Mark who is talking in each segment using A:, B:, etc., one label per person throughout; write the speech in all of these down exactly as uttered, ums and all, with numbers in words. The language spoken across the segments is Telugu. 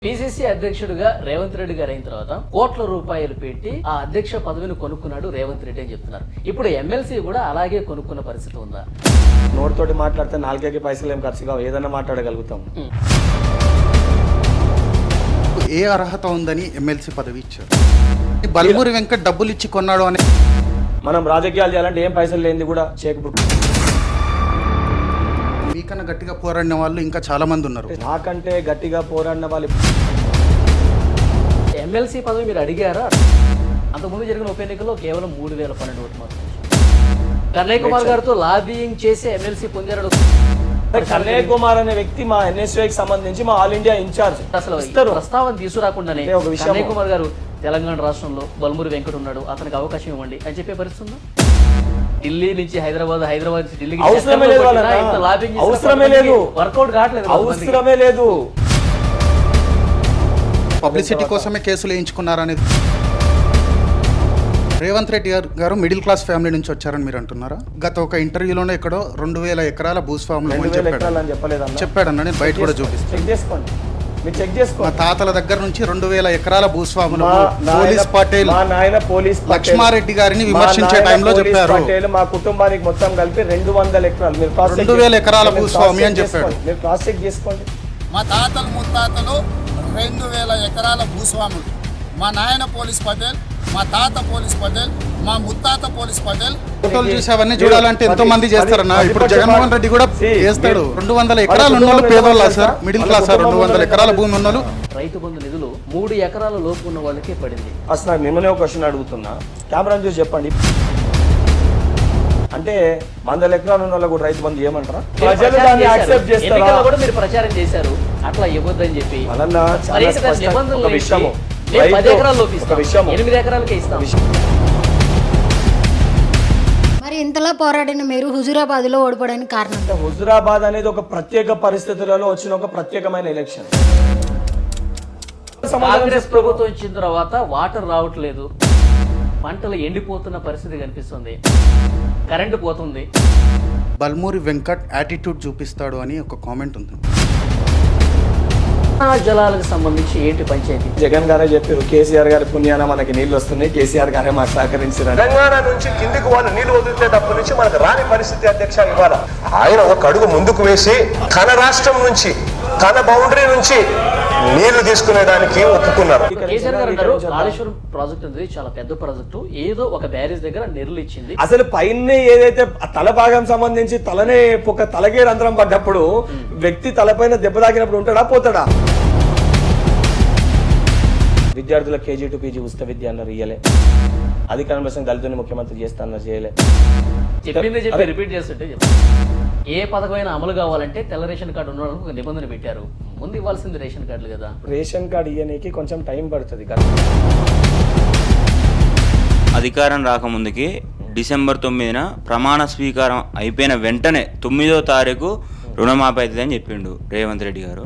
A: పిసిసి అధ్యక్షుడిగా రేవంత్ రెడ్డి గారు అయిన తర్వాత కోట్ల రూపాయలు పెట్టి ఆ అధ్యక్ష పదవిని కొనుక్కున్నాడు రేవంత్ రెడ్డి అని చెప్తున్నారు. ఇప్పుడు ఎమ్మెల్సీ కూడా అలాగే కొనుక్కున్న పరిస్థితి ఉందా?
B: నోటితోటి మాట్లాడితే నాలుగేకి పైసలు ఏం ఖర్చు కావు, ఏదైనా మాట్లాడగలుగుతాం.
C: ఏ అర్హత ఉందని ఎమ్మెల్సీ పదవి ఇచ్చారు? బల్మూరి వెంకట్ డబ్బులు ఇచ్చి కొన్నాడు అని
B: మనం రాజకీయాలు చేయాలంటే ఏం పైసలు లేనిది కూడా చేయకపోతే.
C: మీకన్నా గట్టిగా పోరాడిన వాళ్ళు ఇంకా చాలా మంది ఉన్నారు.
B: నాకంటే గట్టిగా పోరాడిన వాళ్ళు
A: ఎమ్మెల్సీ పదవి మీరు అడిగారా? అంతకుముందు జరిగిన ఉప ఎన్నికల్లో కేవలం మూడు వేల పన్నెండు ఓట్లు మాత్రం. కన్నయ్య కుమార్ గారితో లాబియింగ్ చేసి ఎమ్మెల్సీ పొందారు.
B: కన్నయ్య కుమార్ అనే వ్యక్తి మా ఎన్ఎస్యూకి సంబంధించి మా ఆల్ ఇండియా ఇన్ఛార్జ్.
A: అసలు ప్రస్తావన తీసుకురాకుండానే కన్నయ్య కుమార్ గారు తెలంగాణ రాష్ట్రంలో బల్మూరి వెంకట్ ఉన్నాడు, అతనికి అవకాశం ఇవ్వండి అని చెప్పే పరిస్థితి ఉందా? ఢిల్లీ నుంచి హైదరాబాద్, హైదరాబాద్ నుంచి ఢిల్లీకి
B: అవసరమే లేదు, అవసరమే లేదు,
A: వర్కౌట్ కావట్లేదు,
B: అవసరమే లేదు.
C: పబ్లిసిటీ కోసమే కేసులు వేయించుకున్నారనేది. రేవంత్ రెడ్డి గారు మిడిల్ క్లాస్ ఫ్యామిలీ నుంచి వచ్చారని మీరు అంటున్నారా? గత ఒక ఇంటర్వ్యూలోనే ఎక్కడో రెండు వేల ఎకరాల భూస్వాములు చెప్పాడన్న, నేను బయట కూడా చూపిస్తాను. మా తాతల దగ్గర నుంచి రెండు వేల ఎకరాల భూస్వాములు పోలీస్ పటేల్ లక్ష్మారెడ్డి గారిని విమర్శించే టైంలో చెప్పారు.
B: మా కుటుంబానికి మొత్తం కలిపి రెండు వందల ఎకరాలు
C: రెండు వేల ఎకరాల భూస్వామి అని చెప్పాడు.
B: మీరు క్రాస్ చెక్ చేసుకోండి.
D: మా తాతలు ముత్తాతలు రెండు వేల ఎకరాల భూస్వాములు. మా నాయన పోలీస్ పటేల్, మా తాత పోలీస్ పటేల్, మా ముత్తాత పోలీస్ పటేల్.
C: ఫోటోలు చూసి అవన్నీ చూడాలంటే ఎంతో మంది చేస్తారన్న. ఇప్పుడు జగన్మోహన్ రెడ్డి కూడా చేస్తాడు. రెండు వందల ఎకరాలు ఉన్నోళ్ళు పేదోళ్ళ సార్, మిడిల్ క్లాస్ సార్. రెండు వందల ఎకరాల భూమి ఉన్నోళ్ళు.
A: రైతు బంధు నిధులు మూడు ఎకరాల లోపు ఉన్న వాళ్ళకే పడింది.
B: అసలు నాకు నిన్ననే ఒక క్వశ్చన్ అడుగుతున్నా, కెమెరా చూసి చెప్పండి. అంటే వందల ఎకరాలు ఉన్న వాళ్ళకు రైతు బంధు ఏమంటారా? ప్రజలు దాన్ని యాక్సెప్ట్ చేస్తారా?
A: కూడా మీరు ప్రచారం చేశారు అట్లా ఇవ్వద్దని చెప్పి.
B: ఒక విషయము
A: ఎనిమిది ఎకరాలకే ఇస్తాం.
E: మరి ఇంతలా పోరాడిన మీరు హుజూరాబాద్ లో ఓడిపోవడానికి కారణం?
B: హుజూరాబాద్ అనేది ఒక ప్రత్యేక పరిస్థితులలో వచ్చిన ఒక ప్రత్యేకమైన ఎలక్షన్.
A: కాంగ్రెస్ ప్రభుత్వం ఇచ్చిన తర్వాత వాటర్ రావట్లేదు, పంటలు ఎండిపోతున్న పరిస్థితి కనిపిస్తుంది, కరెంటు పోతుంది.
C: బల్మూరి వెంకట్ యాటిట్యూడ్ చూపిస్తాడు అని ఒక కామెంట్ ఉంది.
A: జలాలకు సంబంధించి ఏంటి పంచాయతీ?
B: జగన్ గారే చెప్పారు, కేసీఆర్ గారి పుణ్యాన మనకి నీళ్లు వస్తున్నాయి, కేసీఆర్ గారే మాకు సహకరించారు.
F: తెలంగాణ నుంచి కిందికి వాళ్ళు నీళ్లు వదిలేటప్పటి నుంచి మనకు రాని పరిస్థితి అధ్యక్ష ఇవ్వాల. ఆయన ఒక అడుగు ముందుకు వేసి తన రాష్ట్రం నుంచి, తన బౌండరీ నుంచి నీళ్లు తీసుకునేదానికి ఒప్పుకున్నారు.
A: కేసీఆర్ గారు అంటారు కాళేశ్వరం ప్రాజెక్ట్ అనేది చాలా పెద్ద ప్రాజెక్టు, ఏదో ఒక బ్యారేజ్ దగ్గర నీళ్లు ఇచ్చింది.
B: అసలు పైన ఏదైతే తల భాగం సంబంధించి తలనే ఒక తలగే రంధ్రం పడ్డప్పుడు వ్యక్తి తలపైన దెబ్బ తాకినప్పుడు ఉంటాడా పోతాడా? విద్యార్థుల కేజీ టు పీజీ ఉచిత విద్య అన్నారు, ఇయ్యలే. అధికారం కోసం దళితుని ముఖ్యమంత్రి చేస్తా అన్నారు, చేయలే.
A: చెప్పింది చెప్పి రిపీట్ చేస్తుంటే ఏ పథకమైన అమలు కావాలంటే తెల్ల రేషన్ కార్డు ఉన్న వాళ్ళకి ఒక నిబంధన పెట్టారు. ముందు ఇవ్వాల్సింది రేషన్ కార్డులు కదా.
B: రేషన్ కార్డు ఇయ్యడానికి కొంచెం టైం పడుతుంది కదా.
G: అధికారం రాకముందుకి డిసెంబర్ తొమ్మిదిన ప్రమాణ స్వీకారం అయిపోయిన వెంటనే తొమ్మిదో తారీఖు రుణమాఫీ అవుతుందని చెప్పిండు రేవంత్ రెడ్డి గారు.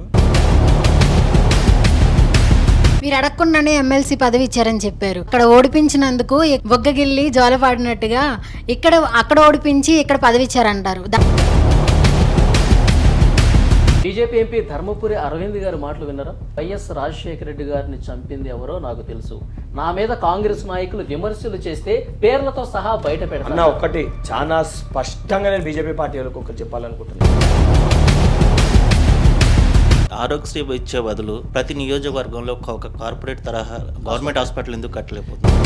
E: మీరు అడగకుండానే ఎమ్మెల్సీ పదవి ఇచ్చారని చెప్పారు. ఇక్కడ ఓడిపించినందుకు బొగ్గగిల్లి జోలపాడినట్టుగా ఇక్కడ అక్కడ ఓడిపించి ఇక్కడ పదవి ఇచ్చారంటారు.
A: బీజేపీ ఎంపీ ధర్మపురి అరవింద్ గారి మాటలు విన్నారా? వైఎస్ రాజశేఖర రెడ్డి గారిని చంపింది ఎవరో నాకు తెలుసు, నా మీద కాంగ్రెస్ నాయకులు విమర్శలు చేస్తే పేర్లతో సహా బయట పెడతాను.
B: ఒకటి చాలా స్పష్టంగా నేను బీజేపీ పార్టీ వాళ్ళకి ఒకటి చెప్పాలనుకుంటున్నాను.
H: ఆరోగ్యశ్రీ ఇచ్చే బదులు ప్రతి నియోజకవర్గంలో ఒక కార్పొరేట్ తరహా గవర్నమెంట్ హాస్పిటల్ ఎందుకు కట్టలేకపోతుంది?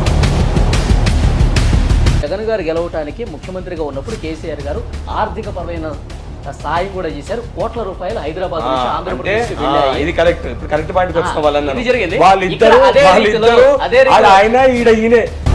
A: జగన్ గారు గెలవటానికి ముఖ్యమంత్రిగా ఉన్నప్పుడు కేసీఆర్ గారు ఆర్థిక పరమైన సాయం కూడా చేశారు. కోట్ల రూపాయలు హైదరాబాద్ నుంచి ఆంధ్రప్రదేశ్
B: ఇది కరెక్ట్ కరెక్ట్ పాయింట్ వచ్చిన
A: జరిగింది.
B: వాళ్ళిద్దరు వాళ్ళిద్దరు ఆయన ఈడ ఈయనే